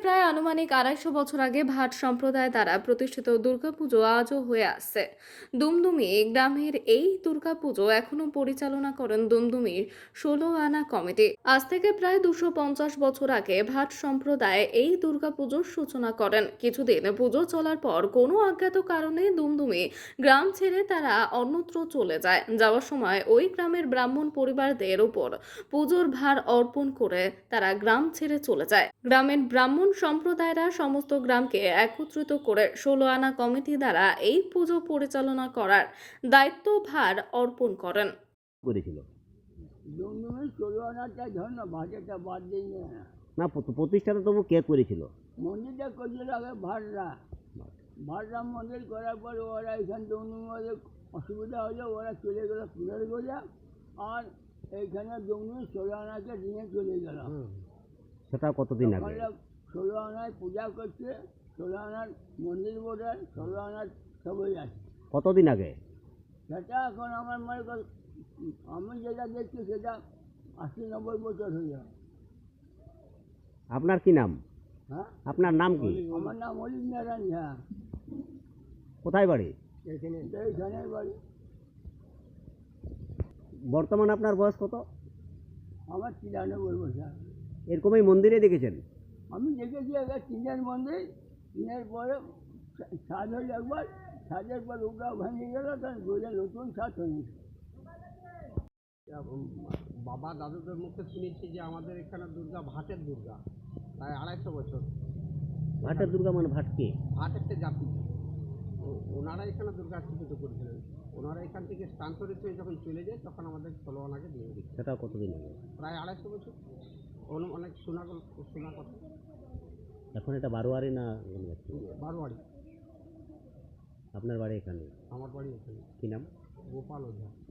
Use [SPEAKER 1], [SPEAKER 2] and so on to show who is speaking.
[SPEAKER 1] প্রায় আনুমানিক ২৫০ বছর আগে ভাট সম্প্রদায় দ্বারা প্রতিষ্ঠিত দুর্গাপুজো আজও হয়ে আসছে। দুমদুমি গ্রামের এই দুর্গাপুজো এখনো পরিচালনা করেন দুমদুমির ১৬ আনা কমিটি। আজ থেকে প্রায় ২৫০ বছর আগে ভাট সম্প্রদায় এই দুর্গাপুজোর সূচনা করেন। কিছুদিন পুজো চলার পর কোনো অজ্ঞাত কারণে দুমদুমি গ্রাম ছেড়ে তারা অন্যত্র চলে যায়। যাওয়ার সময় ওই গ্রামের ব্রাহ্মণ পরিবারদের উপর পুজোর ভার অর্পণ করে তারা গ্রাম ছেড়ে চলে যায়। গ্রামের ব্রাহ্মণ সম্প্রদায়রা সমস্ত গ্রামকে একত্রিত করে ১৬ আনা কমিটি দ্বারা এই পুজো পরিচালনা করার দায়িত্বভার অর্পণ করেন।
[SPEAKER 2] করেছিল
[SPEAKER 3] দুমদুমি ১৬ আনাটা ধর না, ভাটেটা বাদ দিই না।
[SPEAKER 2] না প্রতিষ্ঠাতা তবু কে করেছিল?
[SPEAKER 3] মন্দিরটা করছিল আগে ভাটরা মন্দির করার পর ওরা এখান দুমদুমি ওদের অসুবিধা হলো, ওরা চলে গেল ফুলের গোজা, আর এইখানে দুমদুমি ১৬ আনাকে নিয়ে চলে গেল।
[SPEAKER 2] সেটা কতদিন আগে?
[SPEAKER 3] ১৬ আনায় পূজা করছে, ১৬ আনার মন্দির বোধ, ১৬ আনার সবই আছে।
[SPEAKER 2] কতদিন আগে?
[SPEAKER 3] সেটা এখন আমার মনে কর, আমি যেটা দেখছি সেটা ৮০-৯০ বছর হয়ে যাবে।
[SPEAKER 2] আপনার কি নাম?
[SPEAKER 3] হ্যাঁ,
[SPEAKER 2] আপনার নাম কি?
[SPEAKER 3] আমার নাম অলিভ নারায়ণ ঝা।
[SPEAKER 2] কোথায় বাড়ি?
[SPEAKER 3] এইখানে বাড়ি।
[SPEAKER 2] বর্তমান আপনার বয়স কত?
[SPEAKER 3] আমার ৯৩ বছর।
[SPEAKER 2] এরকমই মন্দিরে দেখেছেন?
[SPEAKER 3] আমি দেখেছি একবার টিনের মন্দির, টিনের পরে ছাদ হল একবার, ছাদের পর ওটাও ভেঙে গেল, তখন বলে নতুন ছাদ হয়েছে।
[SPEAKER 4] বাবা দাদুদের মুখে শুনেছি যে আমাদের এখানে দুর্গা ভাটের দুর্গা, প্রায় ২৫০ বছর।
[SPEAKER 2] ভাটের দুর্গা মানে ভাট কে?
[SPEAKER 4] ভাট একটা জাতি, ওনারা এখানে দুর্গা স্থাপিত করেছিলেন। ওনারা এখান থেকে স্থানান্তরিত হয়ে যখন চলে যায় তখন আমাদের ১৬ আনাকে দিয়ে দিচ্ছে।
[SPEAKER 2] সেটা কতদিন আগে?
[SPEAKER 4] প্রায় ২৫০ বছর। অনেক শোনা কথা।
[SPEAKER 2] এখন এটা বারোয়ারি না?
[SPEAKER 4] বারোয়ারি।
[SPEAKER 2] আপনার বাড়ি এখানে?
[SPEAKER 4] আমার বাড়ি এখানে।
[SPEAKER 2] কি নাম?
[SPEAKER 4] গোপাল ওঝা।